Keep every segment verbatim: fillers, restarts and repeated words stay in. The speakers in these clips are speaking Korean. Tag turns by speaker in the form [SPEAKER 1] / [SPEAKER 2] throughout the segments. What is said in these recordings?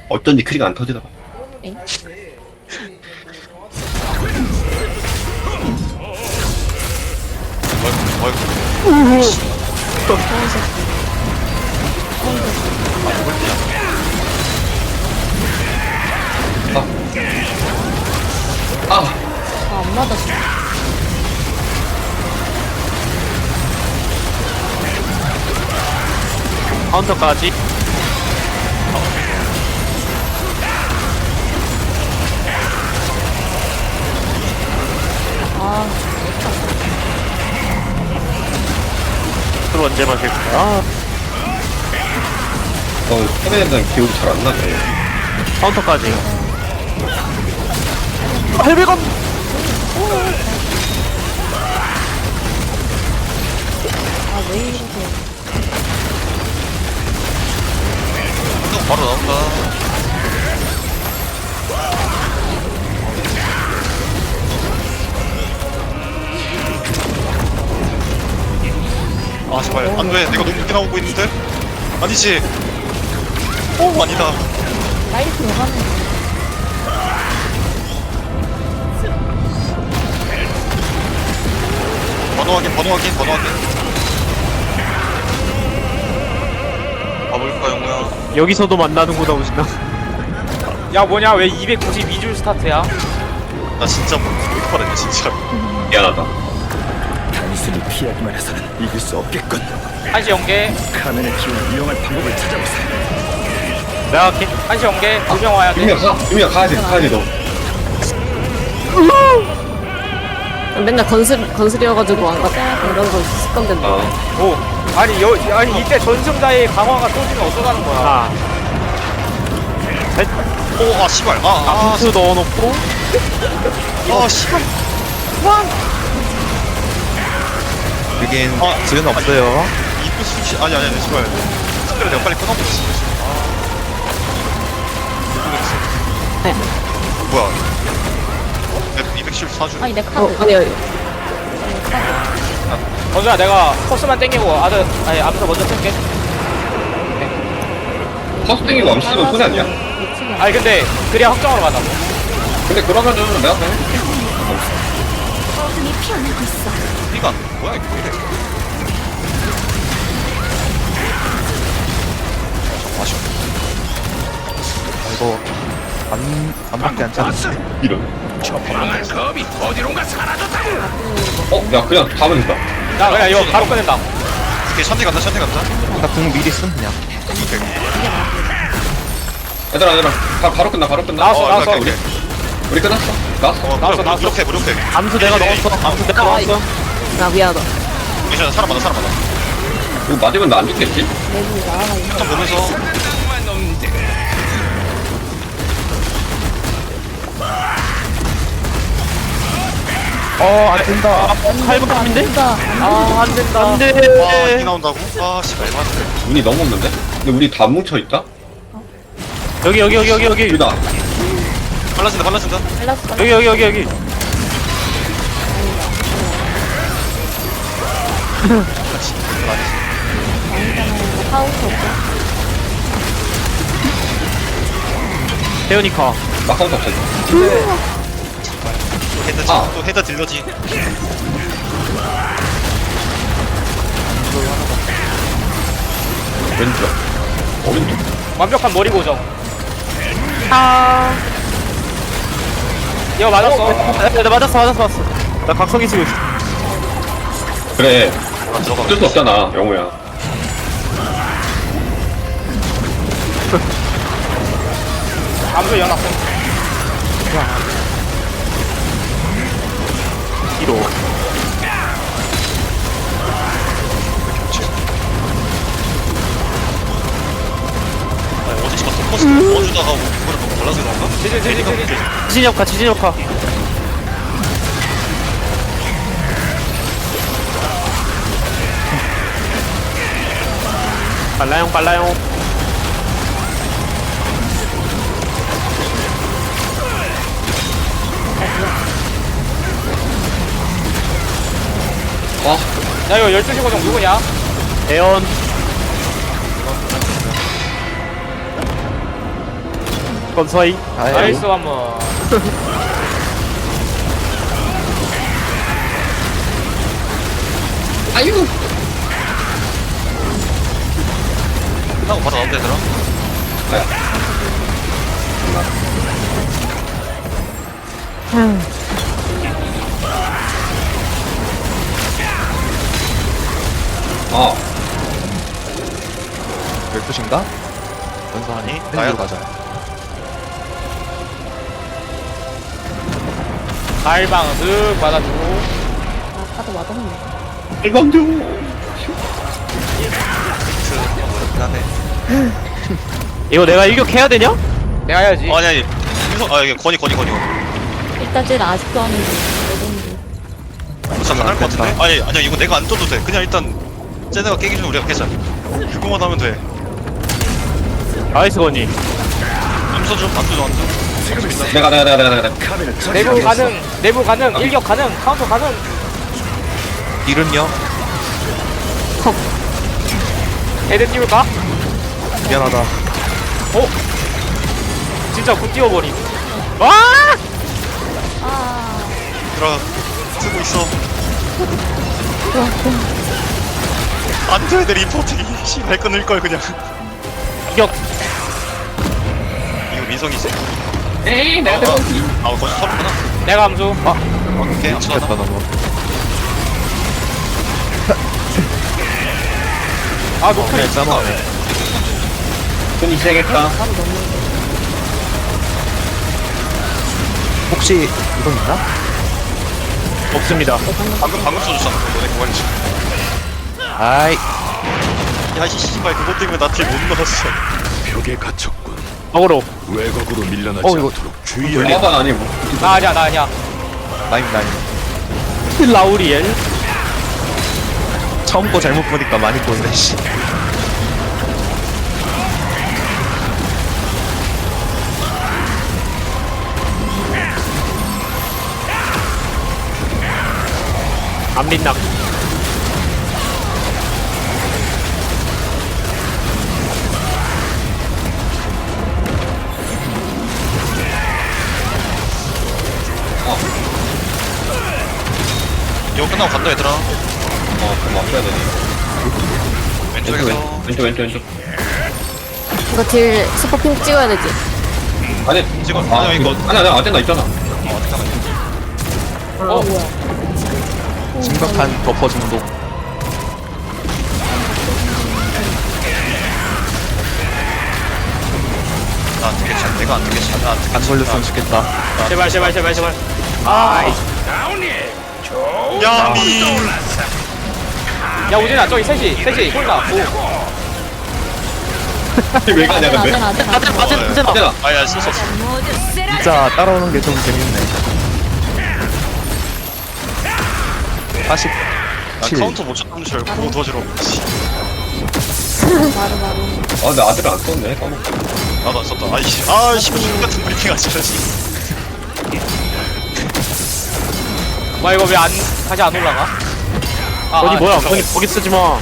[SPEAKER 1] 어쩐지 크리가 안 터지더라.
[SPEAKER 2] 엥?
[SPEAKER 3] 어이구 어이구
[SPEAKER 1] 아,
[SPEAKER 2] 아, 안 맞았어.
[SPEAKER 4] 카운터까지.
[SPEAKER 2] 아,
[SPEAKER 4] 술 언제 마실 거야?
[SPEAKER 1] 어, 헤매에 대한 기억이 잘 안 나네.
[SPEAKER 4] 카운터까지. 아, 헬베건!
[SPEAKER 2] 아, 왜 이러세요?
[SPEAKER 3] 또 바로 나온다. 아 제발 안돼 내가 너무 늦게 나오고 있는데? 아니지. 오 아니다.
[SPEAKER 2] 라이트 왜 가는 거야?
[SPEAKER 3] 번호 확인 번호 확인 번호 확인. 가볼까 영우야?
[SPEAKER 4] 여기서도 만나는구나, 우진아.
[SPEAKER 5] 야 뭐냐 왜 이백구십이 줄 스타트야?
[SPEAKER 3] 나 진짜 뭐 못하네 진짜.
[SPEAKER 1] 미안하다.
[SPEAKER 6] 단순히 피하기만 해서는 이길 수 없겠군.
[SPEAKER 5] 한시 연계
[SPEAKER 6] 카멘의 기운을 이용할 방법을 찾아보세요.
[SPEAKER 4] 내가 할게.
[SPEAKER 5] 한시 연계 두 명 와야 돼.
[SPEAKER 1] 유미야 가, 유미야 가야 돼, 가야 돼 너.
[SPEAKER 2] 맨날 건슬, 건슬이어가지고 안 갔다. 이런 거 습관된다.
[SPEAKER 1] 아,
[SPEAKER 5] 오 아니 여 아니 이때 전승자의 강화가 쏘지면 어쩌자는 거야?
[SPEAKER 4] 하나, 셋.
[SPEAKER 3] 오아 씨발 아아
[SPEAKER 4] 암수 넣어놓고.
[SPEAKER 3] 아 씨발.
[SPEAKER 4] 여긴
[SPEAKER 3] 아,
[SPEAKER 4] 지은 없어요.
[SPEAKER 3] 이프 수시 아니 아니 아니 씨발. 스크를 내가 빨리 끊어버렸어. 아.
[SPEAKER 2] 네.
[SPEAKER 3] 뭐야? 이백십사 줄.
[SPEAKER 2] 아니, 내 카드. 어, 아니요.
[SPEAKER 5] 먼저야 내가 코스만 땡기고 아들 아니 암수 먼저 쓸게.
[SPEAKER 1] 퍼스 땡기고 암 쓰면 손해 아니야?
[SPEAKER 2] 미치겠네.
[SPEAKER 5] 아니 근데 그래야 확정으로 가자고.
[SPEAKER 1] 근데 그러면은 내가 그냥 해줄게.
[SPEAKER 3] 피가 뭐야 이거 왜 이래? 아쉬워.
[SPEAKER 4] 이거 안, 안밖에 안 찼어.
[SPEAKER 1] 이런. 어, 야 그냥 가면 된다.
[SPEAKER 5] 나 그냥 이거 바로 꺼낸다.
[SPEAKER 3] 오케이 샨티 간다 샨티 간다.
[SPEAKER 4] 나궁 미리 쓴 그냥.
[SPEAKER 3] 오케이.
[SPEAKER 1] 얘들아, 얘들아, 바, 바로 끝나, 바로 끝나.
[SPEAKER 5] 나왔어
[SPEAKER 3] 어,
[SPEAKER 5] 나왔어.
[SPEAKER 3] 오케이, 오케이.
[SPEAKER 1] 우리 끝났어. 나왔어.
[SPEAKER 3] 어,
[SPEAKER 5] 나왔어,
[SPEAKER 3] 무력,
[SPEAKER 5] 나왔어.
[SPEAKER 3] 무력해 무력해.
[SPEAKER 4] 암수 내가 넣었어. 암수 내가
[SPEAKER 2] 아,
[SPEAKER 4] 넣었어.
[SPEAKER 2] 나 미안하다.
[SPEAKER 3] 괜찮아 사람 많아 사람 많아.
[SPEAKER 1] 이거 맞으면 나 안 죽겠지?
[SPEAKER 2] 내분이 나가가 있네.
[SPEAKER 3] 좀 보면서.
[SPEAKER 4] 어, 안 된다. 칼부감인데?
[SPEAKER 2] 된다.
[SPEAKER 5] 아 안 된다.
[SPEAKER 4] 안 돼.
[SPEAKER 3] 와 이게 나온다고? 아 씨발 맞네.
[SPEAKER 1] 운이 너무 없는데? 근데 우리 다 뭉쳐있다?
[SPEAKER 4] 여기, 여기, 여기, 여기, 여기.
[SPEAKER 1] 유다.
[SPEAKER 3] 빨라진다 빨라진다.
[SPEAKER 2] 플러스
[SPEAKER 4] 여기, 여기, 여기, 여기.
[SPEAKER 2] 카운터 없고.
[SPEAKER 4] 태연이카.
[SPEAKER 1] 나 카운터 없어.
[SPEAKER 3] 헤드
[SPEAKER 1] 아.
[SPEAKER 3] 또 헤드 딜러지.
[SPEAKER 1] 왼쪽. 오른쪽.
[SPEAKER 5] 완벽한 머리 고정.
[SPEAKER 4] 아.
[SPEAKER 5] 이거 맞았어.
[SPEAKER 4] 나 맞았어, 맞았어, 맞았어. 나 각성기 쓰고 있어.
[SPEAKER 1] 그래.
[SPEAKER 3] 아 들어가.
[SPEAKER 1] 어쩔 수 없잖아, 영호야.
[SPEAKER 5] 암수 연합.
[SPEAKER 4] 뒤로.
[SPEAKER 3] 아니 어제 제가 서포스 넣어주다가 그거를 너무 몰라서 그런가?
[SPEAKER 5] 지지 지지 지지.
[SPEAKER 4] 지진역카, 지진역카. 빨라용, 빨라용.
[SPEAKER 1] 아,
[SPEAKER 5] 야 이거 열두 시 고정 누구냐?
[SPEAKER 4] 대연. 건서이.
[SPEAKER 5] 나이스 한번.
[SPEAKER 1] 아유.
[SPEAKER 3] 끝나고 바로 나온다 얘들아.
[SPEAKER 1] 아,
[SPEAKER 7] 열두 시인가?
[SPEAKER 3] 아니
[SPEAKER 7] 나야
[SPEAKER 3] 나야
[SPEAKER 7] 가자.
[SPEAKER 5] 갈방 쓱 받아주고.
[SPEAKER 2] 아까도 맞았는데.
[SPEAKER 1] 일방주.
[SPEAKER 3] 그렇긴 하네.
[SPEAKER 4] 이거 내가 일격해야 되냐?
[SPEAKER 5] 내가 해야지.
[SPEAKER 3] 어, 아니 아니 민서 아 이게 건이 건이 건이
[SPEAKER 2] 일단 쟤는 아직도 하는데.
[SPEAKER 3] 진짜 가능할 것 같은데? 아니 아니야 이거 내가 안 떠도 돼 그냥 일단 쟤네가 깨기 전에 우리가 깨자 그거만 하면 돼
[SPEAKER 4] 나이스 건이.
[SPEAKER 3] 암서 좀 암서 좀 암서
[SPEAKER 1] 내가 내가 내가 내가 내가.
[SPEAKER 6] 카메라
[SPEAKER 5] 내부 가능, 내부 가능, 일격 가능, 카운터 가능.
[SPEAKER 7] 일은요?
[SPEAKER 5] 헤드 띄울까?
[SPEAKER 7] 미안하다.
[SPEAKER 5] 어? 진짜 굿 띄워버림.
[SPEAKER 4] 와!
[SPEAKER 3] 들어 쓰고 있어 안돼 내 리포팅이 씨발 끊을걸 그냥
[SPEAKER 4] 이격.
[SPEAKER 3] 이거 민성이지?
[SPEAKER 1] 에이, 내가 들어.
[SPEAKER 3] 아 거기서 서로구나
[SPEAKER 5] 내가 암수.
[SPEAKER 3] 오케이 암서
[SPEAKER 7] 됐다
[SPEAKER 3] 하나
[SPEAKER 7] 나 뭐.
[SPEAKER 5] 아, 노플.
[SPEAKER 7] 그래 짜노네.
[SPEAKER 1] 손이 시작했다.
[SPEAKER 7] 혹시 이거 있나?
[SPEAKER 4] 없습니다.
[SPEAKER 3] 방금 방금 써줬잖아 너네 그만이지
[SPEAKER 7] 아이
[SPEAKER 3] 야이 씨발 그것 때문에 나 뒤에 못 넣었어
[SPEAKER 6] 벽에 갇혔군.
[SPEAKER 4] 어그로.
[SPEAKER 6] 외곽으로 밀려나지
[SPEAKER 7] 어, 이거
[SPEAKER 6] 않도록 주의해야
[SPEAKER 1] 야반 아니고.
[SPEAKER 5] 나 아니야, 나 아니야.
[SPEAKER 7] 나임 나임.
[SPEAKER 4] 라우리엘.
[SPEAKER 7] 처음 거 잘못 보니까 많이 보이네 씨.
[SPEAKER 4] 안민낙.
[SPEAKER 3] 이거 끝나고 간다 얘들아
[SPEAKER 1] 어, 그럼 맞춰야 되네. 왼쪽,
[SPEAKER 3] 왼쪽에서
[SPEAKER 1] 왼쪽, 왼쪽, 왼쪽.
[SPEAKER 2] 이거 딜 스포핑 찍어야 되지.
[SPEAKER 1] 아니,
[SPEAKER 3] 찍어.
[SPEAKER 1] 아,
[SPEAKER 3] 아니야,
[SPEAKER 1] 이거.
[SPEAKER 3] 이거.
[SPEAKER 1] 아니, 아니, 아젠다 있잖아.
[SPEAKER 3] 어 잠깐만
[SPEAKER 2] 어, 뭐야.
[SPEAKER 7] 심각한 버퍼 중독.
[SPEAKER 3] 나안 되겠지 내가 안 되겠지 나안 되겠지
[SPEAKER 7] 안 걸렸으면 좋겠다.
[SPEAKER 5] 제발, 제발, 제발, 제발. 아이.
[SPEAKER 3] 야미
[SPEAKER 5] 야, 우진아, 저기 셋이, 셋이, 홀다. 오.
[SPEAKER 1] 왜 가냐,
[SPEAKER 2] 아재나,
[SPEAKER 1] 근데?
[SPEAKER 2] 아재나, 아재나.
[SPEAKER 4] 아젠 아젠 아젠.
[SPEAKER 1] 아젠아.
[SPEAKER 3] 아야 썼어
[SPEAKER 7] 진짜 따라오는 게 좀 재밌네. 사십칠.
[SPEAKER 3] 나 카운터 못 쳤다는 줄 알고 그거 도와주러 씨,
[SPEAKER 2] 바로, 바로.
[SPEAKER 1] 아, 근데 아들을 안 썼네. 까먹고.
[SPEAKER 3] 나도 안 썼다 아이씨 아이씨 뭐 같은 브리핑 하지
[SPEAKER 5] 와, 이거 왜 안, 다시 안 올라가? 아,
[SPEAKER 4] 건이
[SPEAKER 5] 아,
[SPEAKER 4] 뭐야?
[SPEAKER 5] 잠깐만.
[SPEAKER 4] 건이 거기 쓰지 마.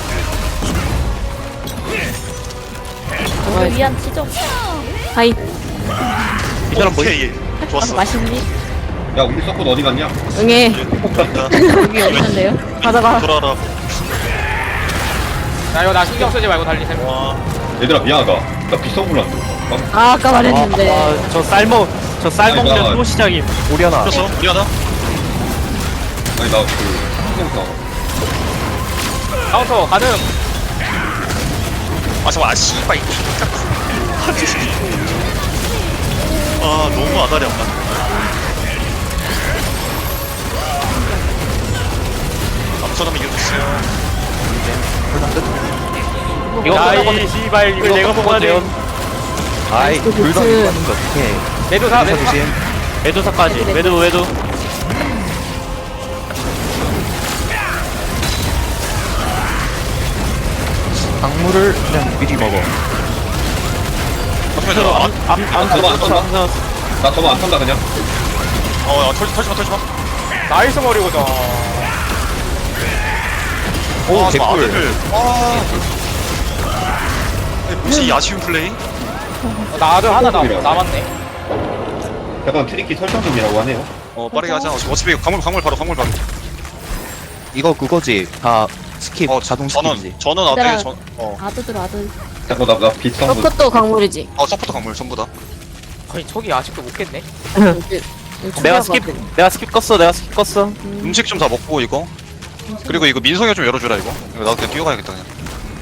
[SPEAKER 2] 오늘 위안 치죠. 하이.
[SPEAKER 4] 이 사람 뭐?
[SPEAKER 3] 오케이 좋았어
[SPEAKER 2] 맛있니?
[SPEAKER 1] 야, 우리 서폿 어디 갔냐?
[SPEAKER 2] 응애.
[SPEAKER 3] 됐다
[SPEAKER 2] 여기 어디 있는데요? 가져가.
[SPEAKER 3] 돌아라
[SPEAKER 5] 야, 이거 나 신경 쓰지 말고 달리셈.
[SPEAKER 3] 와
[SPEAKER 1] 얘들아, 미안하다. 나 빗성 불렀어. 아,
[SPEAKER 2] 아, 아까 말했는데.
[SPEAKER 4] 아, 저 쌀먹 저 쌀먹는
[SPEAKER 1] 아이고.
[SPEAKER 4] 또 시작임.
[SPEAKER 7] 오려나.
[SPEAKER 3] 그래서 미안하다
[SPEAKER 1] 아니, 나 그, 신경사.
[SPEAKER 5] 카운터 가능.
[SPEAKER 3] 아 잠깐만 아 씨발 이 아 너무 아다리 안 맞네 암서가면 이겨줬어요
[SPEAKER 4] 이거
[SPEAKER 5] 야,
[SPEAKER 4] 끝나고
[SPEAKER 5] 이 씨발, 이걸
[SPEAKER 4] 이거
[SPEAKER 5] 내가
[SPEAKER 4] 끝나고
[SPEAKER 5] 먹어야 돼.
[SPEAKER 4] 돼요.
[SPEAKER 7] 아이
[SPEAKER 2] 그
[SPEAKER 7] 불던
[SPEAKER 2] 그-
[SPEAKER 7] 이거 하는 거 어떡해.
[SPEAKER 5] 매도사,
[SPEAKER 7] 회사
[SPEAKER 5] 매도사.
[SPEAKER 7] 조심.
[SPEAKER 4] 외도사까지. 외도 외도.
[SPEAKER 7] 작물을 그냥 미리 먹어.
[SPEAKER 3] 잠깐만 안,
[SPEAKER 4] 암암암
[SPEAKER 1] 안 써봐, 안 써봐. 나 저거 안 탄다, 그냥.
[SPEAKER 3] 어, 야, 털지, 털지 마, 털지 마.
[SPEAKER 5] 나이스 머리고다.
[SPEAKER 7] 오
[SPEAKER 3] 아, 저
[SPEAKER 7] 개꿀.
[SPEAKER 3] 아들을. 와. 아니, 뭐지, 이 아쉬운 플레이?
[SPEAKER 5] 어, 나 아들 하나 남, 남았네.
[SPEAKER 1] 약간 트리키 설정 중이라고 하네요.
[SPEAKER 3] 어 빠르게 하자. 어차피 광물 광물 바로 광물 바로.
[SPEAKER 7] 이거 그거지. 다 스킵
[SPEAKER 3] 어
[SPEAKER 7] 자동
[SPEAKER 3] 전원
[SPEAKER 7] 스킵이지.
[SPEAKER 3] 전원 아들
[SPEAKER 2] 얘들아.
[SPEAKER 3] 전. 어.
[SPEAKER 2] 아드들 아들.
[SPEAKER 1] 잠깐 나나 빛성분.
[SPEAKER 2] 서포도 강물이지.
[SPEAKER 3] 어 서포터 광물 전부 다.
[SPEAKER 5] 아니 저기 아직도 못 깼네.
[SPEAKER 2] 이제
[SPEAKER 4] 내가 스킵 내가 스킵 껐어 내가 스킵 껐어
[SPEAKER 3] 음식 좀 다 먹고 이거. 그리고 이거 민성이가 좀 열어주라 이거. 이거 나도 그냥 뛰어가야겠다 그냥.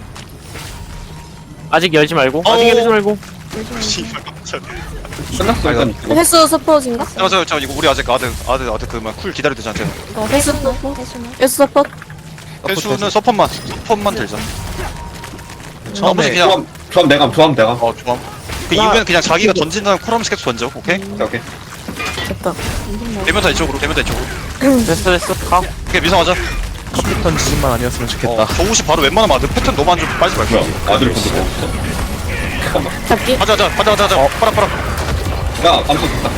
[SPEAKER 4] 아직 열지 말고
[SPEAKER 3] 어.
[SPEAKER 4] 아직 열지 말고
[SPEAKER 3] 씨발 깜짝.
[SPEAKER 1] 끝났어 일단. 이거.
[SPEAKER 2] 횟수 서포트인가?
[SPEAKER 3] 잠깐 잠깐 잠깐 이거 우리 아직 아들 아들 아들 그만 쿨 기다려야 되지 않잖아.
[SPEAKER 2] 이거 횟수 횟수 서포트.
[SPEAKER 3] 회수는 서폿만 서폿만 들자. 나머지
[SPEAKER 7] 처음에
[SPEAKER 3] 그냥
[SPEAKER 1] 조합 조합 내감 조합 내감.
[SPEAKER 3] 어 좋아. 그 이후에는 그냥 자기가 던진 다음 쿨 하면서 계속 던져. 오케이?
[SPEAKER 1] 오케이 오케이.
[SPEAKER 2] 됐다.
[SPEAKER 3] 되면 다 이쪽으로 되면 다 이쪽으로.
[SPEAKER 4] 됐어 됐어 가
[SPEAKER 3] 오케이 민성하자.
[SPEAKER 7] 컴퓨터 지진만 아니었으면 좋겠다.
[SPEAKER 3] 어, 저 옷이 바로 웬만하면 아들 패턴 너무 안 좋고 빠지지 말 거야.
[SPEAKER 1] 뭐야 아들 본적 없어? 잠깐만.
[SPEAKER 2] 잡기.
[SPEAKER 3] 가자 가자 가자 가자 가자. 어, 빨아 빨아.
[SPEAKER 1] 야 암수 좋다.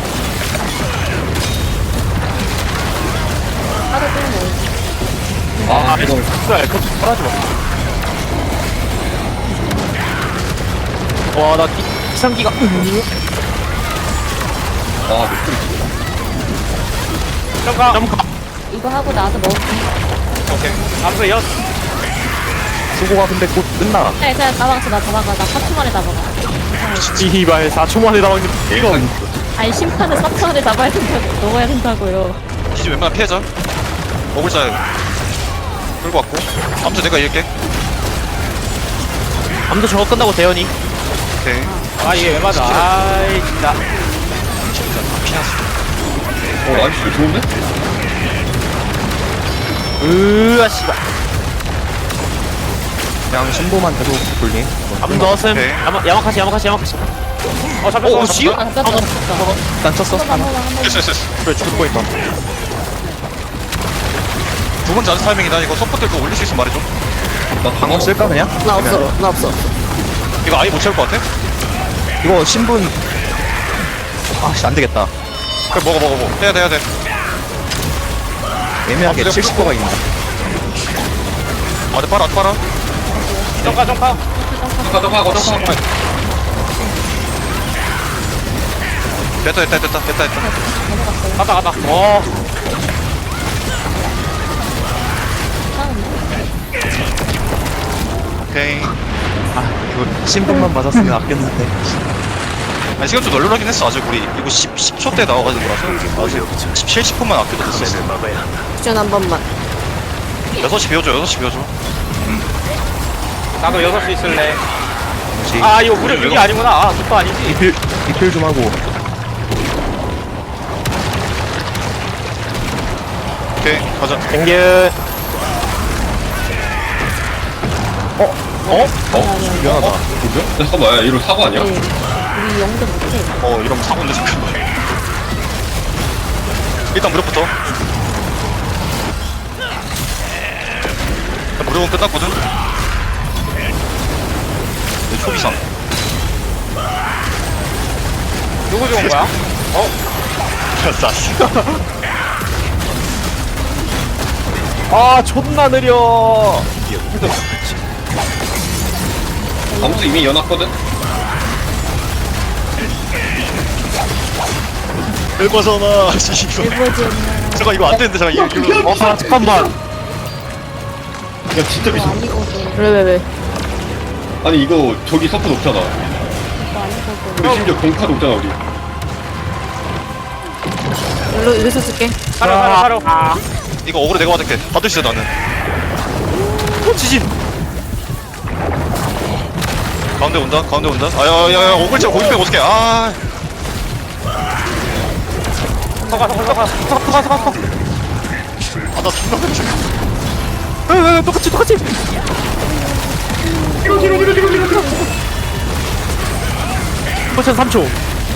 [SPEAKER 2] 아드 빼면
[SPEAKER 1] 아 이거
[SPEAKER 4] 그래 그거 말하지 마와나 기상기가
[SPEAKER 1] 아 목소리.
[SPEAKER 5] 잠깐.
[SPEAKER 4] 점가
[SPEAKER 2] 이거 하고 나도 먹을게.
[SPEAKER 5] 오케이. 암수 여.
[SPEAKER 7] 수고가 근데 곧 끝나.
[SPEAKER 2] 네, 그냥 다 막았어. 나다 막아. 나 사 초 만에 다 막아.
[SPEAKER 4] 이발 사 초 만에 나왔는데 이거
[SPEAKER 2] 아니 심판을 사 초 만에 잡아야 된다고. 먹어야 된다고요.
[SPEAKER 3] 기지 웬만하면 피해자. 먹을 자 끌고 왔고. 아무튼 내가 이길게.
[SPEAKER 4] 아무도 저거 끝나고 대현이
[SPEAKER 3] 오케이.
[SPEAKER 5] 아 이게 왜 맞아? 아이 진짜.
[SPEAKER 3] 피하지.
[SPEAKER 1] 어 나이스 좋은데?
[SPEAKER 4] 으아 씨발
[SPEAKER 7] 그냥 신보만 계속 돌림.
[SPEAKER 4] 아무 넣었음
[SPEAKER 3] 오케이.
[SPEAKER 4] 야마 야마카시 야마카시 야마카시
[SPEAKER 5] 어 잡혔어.
[SPEAKER 3] 어,
[SPEAKER 5] 잡혔어.
[SPEAKER 3] 지우?
[SPEAKER 2] 아, 깜짝이야.
[SPEAKER 7] 일단 쳤어. 하나.
[SPEAKER 3] 됐어 됐어 됐어.
[SPEAKER 7] 그래 죽을 뻔했다.
[SPEAKER 3] 두 번째 아직 타이밍이다. 이거 서포트 거 올릴 수 있으면 말해줘.
[SPEAKER 1] 나
[SPEAKER 7] 방어
[SPEAKER 1] 방어
[SPEAKER 7] 쓸까 그냥?
[SPEAKER 2] 나 없어. 나 없어.
[SPEAKER 3] 이거 아예 못 채울 것 같아?
[SPEAKER 7] 이거 신분. 아씨 안 되겠다.
[SPEAKER 3] 그래 먹어 먹어 먹어. 해야 돼 해야 돼.
[SPEAKER 7] 애매하게
[SPEAKER 3] 아,
[SPEAKER 7] 칠십 퍼가 있네.
[SPEAKER 3] 아들 빨아 아들 빨아.
[SPEAKER 5] 점카 점카.
[SPEAKER 1] 잠깐 잠깐 잠깐 잠깐.
[SPEAKER 3] 됐다 됐다 됐다 됐다 됐다.
[SPEAKER 5] 갔다 갔다.
[SPEAKER 4] 어
[SPEAKER 3] 오케이.
[SPEAKER 7] 아 이거 신분만 맞았으면 아꼈는데.
[SPEAKER 3] 아니 시간 좀 널널하긴 했어. 아직 우리 이거 십, 십 초 때 나와가지고 라서 아직 십칠, 십 분만 아껴도 됐어.
[SPEAKER 2] 쿠션 한 번만.
[SPEAKER 3] 여섯 시 비워줘 여섯 시 비워줘.
[SPEAKER 5] 나도 여섯 시 있을래.
[SPEAKER 7] 뭐지?
[SPEAKER 5] 아 이거 무력 이게 아니구나. 아 그거 아니지.
[SPEAKER 7] 리필 리필 좀 하고.
[SPEAKER 3] 오케이 가자.
[SPEAKER 4] 땡겨
[SPEAKER 1] 어?
[SPEAKER 7] 미안하다.
[SPEAKER 1] 뭐죠? 잠깐만 야, 이거 사고 아니야?
[SPEAKER 2] 네. 우리 영도 못해.
[SPEAKER 3] 어 이러면 사고인데 잠깐만. 일단 무력부터. 일단 무력은 끝났거든. 내 초비상.
[SPEAKER 5] 누구 좋은 거야?
[SPEAKER 3] 쌌어.
[SPEAKER 4] 아 존나 느려
[SPEAKER 1] 암수 이미 연합거든?
[SPEAKER 3] 일과잖아. 이거. 잠깐 이거 안 되는데 잠깐 이거 이거.
[SPEAKER 4] 어 아, 잠깐만
[SPEAKER 1] 야 진짜 미쳤어.
[SPEAKER 2] 왜, 왜, 왜?
[SPEAKER 1] 아니 이거 저기 서프 높잖아. 우리 심지어 공카 높잖아 우리.
[SPEAKER 2] 일로, 여기서 쓸게.
[SPEAKER 5] 사료 사료 사료.
[SPEAKER 3] 이거 억울해 내가 받을게. 받을 수 있어 나는.
[SPEAKER 4] 지진
[SPEAKER 3] 가운데 온다 가운데 온다. 아야야야 억울치 거기 빼고 어떡해. 아.
[SPEAKER 5] 서가 서가 서가.
[SPEAKER 4] 서가 서가 서가
[SPEAKER 3] 아나 존나 깜짝.
[SPEAKER 4] 왜왜 똑같이 똑같이 포션 삼 초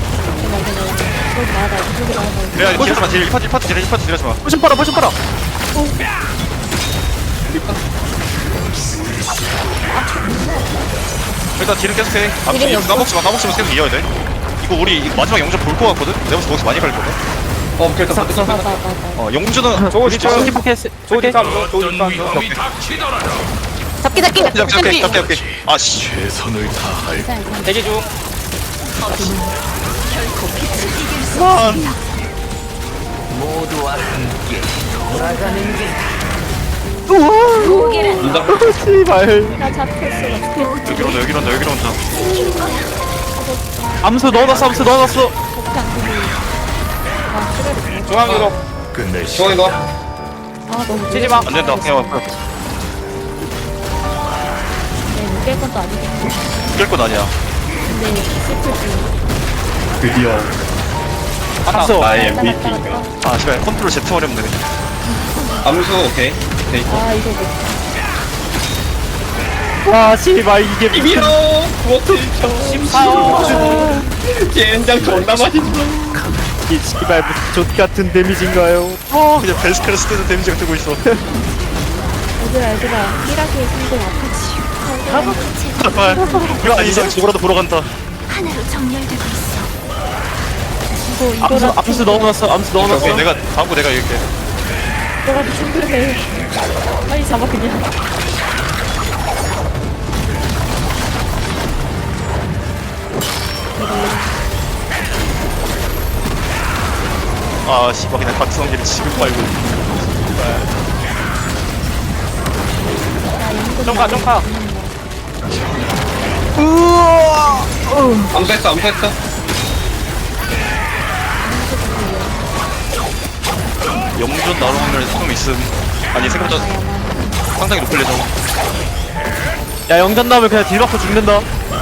[SPEAKER 3] 야 딜하지 마. 딜 일 파티 일 파티 딜 일 파티 딜하지 마.
[SPEAKER 4] 포션 빨아 포션 빨아
[SPEAKER 3] 일단 딜은 계속해. 아,
[SPEAKER 2] 딜은
[SPEAKER 3] 이-
[SPEAKER 2] 없어?
[SPEAKER 3] 까먹지 마, 까먹지면 계속 이어야 돼. 이거 우리 이거 마지막 영점 볼 거 같거든? 내가 볼때 거기서 많이 갈 거든?
[SPEAKER 1] 어 오케이 일단 받을
[SPEAKER 2] 봐, 봐, 봐, 봐.
[SPEAKER 3] 어, 영주는
[SPEAKER 5] 조지
[SPEAKER 3] 저
[SPEAKER 5] 조지
[SPEAKER 4] 스킵
[SPEAKER 5] 조지 탐조 조지 탐조.
[SPEAKER 2] 잡기, 잡기!
[SPEAKER 3] 잡게, 잡게, 잡게, 잡게. 아, 씨.
[SPEAKER 6] 최선을 다할
[SPEAKER 5] 대기 중.
[SPEAKER 1] 인자.
[SPEAKER 4] 씨발.
[SPEAKER 2] 나 잡혔어.
[SPEAKER 3] 여기로 온다 여기로 온다 여기로 온다
[SPEAKER 4] 암수 넣어놨어 암수 넣어놨어.
[SPEAKER 5] 중앙으로
[SPEAKER 6] 끝낼 시
[SPEAKER 1] 중앙에 가.
[SPEAKER 2] 아 너무
[SPEAKER 5] 치지 마.
[SPEAKER 3] 안 된다 그냥 와
[SPEAKER 2] 네, 깰 것도 아니겠고.
[SPEAKER 3] 깰건 아니야
[SPEAKER 2] 근데 슬프지.
[SPEAKER 1] 드디어
[SPEAKER 4] 암수.
[SPEAKER 1] 나의 엠브이피인가.
[SPEAKER 3] 아 씨발 컨트롤 Z 어렵네
[SPEAKER 1] 암수 오케이. 데이터.
[SPEAKER 2] 아 이거 못.
[SPEAKER 4] 와 씨발 이게
[SPEAKER 1] 비밀어. 워트 쳐. 젠장 존나 맛있어.
[SPEAKER 4] 이 씨발 무슨 족 같은 데미지인가요?
[SPEAKER 3] 어 그냥 벨스크를 쓰는 데미지가 뜨고 있어
[SPEAKER 2] 얘들아 얘들아 삐라기의 성공 아프지.
[SPEAKER 3] 정말 이거 아니 이상 저거라도 보러 간다
[SPEAKER 8] 하나로 정렬되고 있어.
[SPEAKER 2] 이거
[SPEAKER 4] 암수
[SPEAKER 2] 이거라
[SPEAKER 4] 암수 넣어놨어 암수 넣어놨어.
[SPEAKER 3] 오케이 내가 다음 거 내가 이길게
[SPEAKER 2] 이거라도 충분해. 빨리 잡아 그냥.
[SPEAKER 3] 아 씨발 그냥 박성기를 지금 빨고
[SPEAKER 5] 점카 점카.
[SPEAKER 1] 암수했어 암수했어.
[SPEAKER 3] 영전 나올 확률이 조금 있음 아니 생각보다 상당히 높을 예정
[SPEAKER 4] 야 영전 나오면 그냥 딜 받고 죽는다.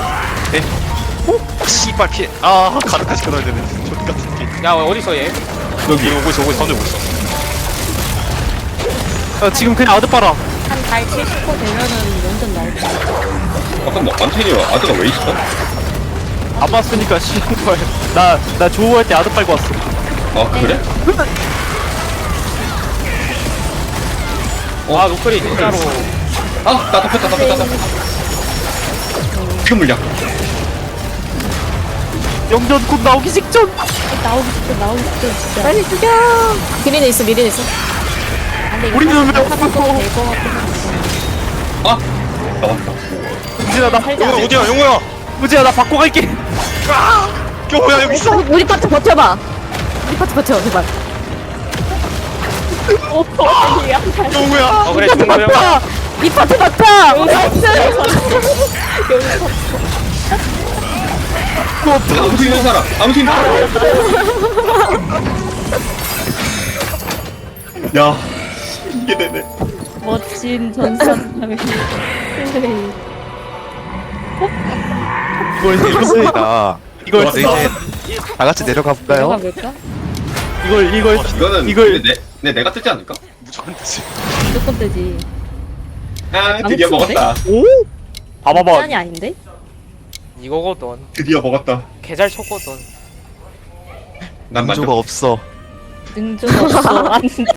[SPEAKER 3] 씨발 피해 아 가득까지 끊어야 되네 족같은 게
[SPEAKER 5] 야 어딨어 얘?
[SPEAKER 3] 여기 오고 있어 오고 있어 던지고 있어
[SPEAKER 4] 야 지금 그냥 아드 빨아.
[SPEAKER 2] 한달 칠십 퍼센트 되면은 완전 나올 거야.
[SPEAKER 1] 잠깐만 안테니와 아드가 왜 있어?
[SPEAKER 4] 안 봤으니까 씨발. 나나 조우할 때 아드 빨고 왔어.
[SPEAKER 1] 아 그래?
[SPEAKER 5] 아 노크리 진짜로.
[SPEAKER 1] 아나 덮였다 덮였다 덮였다. 그 물량.
[SPEAKER 4] 영전 곧 나오기 직전.
[SPEAKER 2] 나오기 직전 나오기 직전 진짜. 빨리 죽여. 미리는 있어 미리는 있어. 근데 이거
[SPEAKER 4] 우리는 왜
[SPEAKER 2] 하나도
[SPEAKER 4] 없어?
[SPEAKER 2] 될것 같긴 한데.
[SPEAKER 1] 아 나왔다.
[SPEAKER 4] 우진아 나
[SPEAKER 2] 살자.
[SPEAKER 3] 용호야 어디야 용호야
[SPEAKER 4] 우진아 나 바꿔 갈게.
[SPEAKER 3] 용호야 여기 있어
[SPEAKER 2] 우리 파트 버텨봐. 우리 파트 버텨 제발. 오 아니야.
[SPEAKER 3] 용호야
[SPEAKER 5] 어 그래 중앙 형.
[SPEAKER 4] 아,
[SPEAKER 2] 이 파트 버텨. 나이스.
[SPEAKER 1] 암수 있는 사람 암수 있는 사람. 야 이게 되네.
[SPEAKER 2] 멋진 전선.
[SPEAKER 7] 이걸 이겼습니다.
[SPEAKER 4] 이걸
[SPEAKER 1] 좋았어.
[SPEAKER 7] 이제 다 같이 내려가 볼까요?
[SPEAKER 2] 볼까?
[SPEAKER 4] 이걸 이걸
[SPEAKER 1] 이거는
[SPEAKER 4] 이걸-
[SPEAKER 1] 근데 내, 내 내가 뜨지 않을까?
[SPEAKER 3] 무조건 되지
[SPEAKER 2] 무조건 되지.
[SPEAKER 1] 아 드디어
[SPEAKER 2] 암수인데?
[SPEAKER 1] 먹었다.
[SPEAKER 4] 오? 봐봐봐.
[SPEAKER 2] 짠이 아닌데?
[SPEAKER 5] 이거거든.
[SPEAKER 1] 드디어 먹었다.
[SPEAKER 5] 개잘 쳤거든.
[SPEAKER 1] 난 만족.
[SPEAKER 7] 민조가 없어.
[SPEAKER 2] 능조가 없어. 안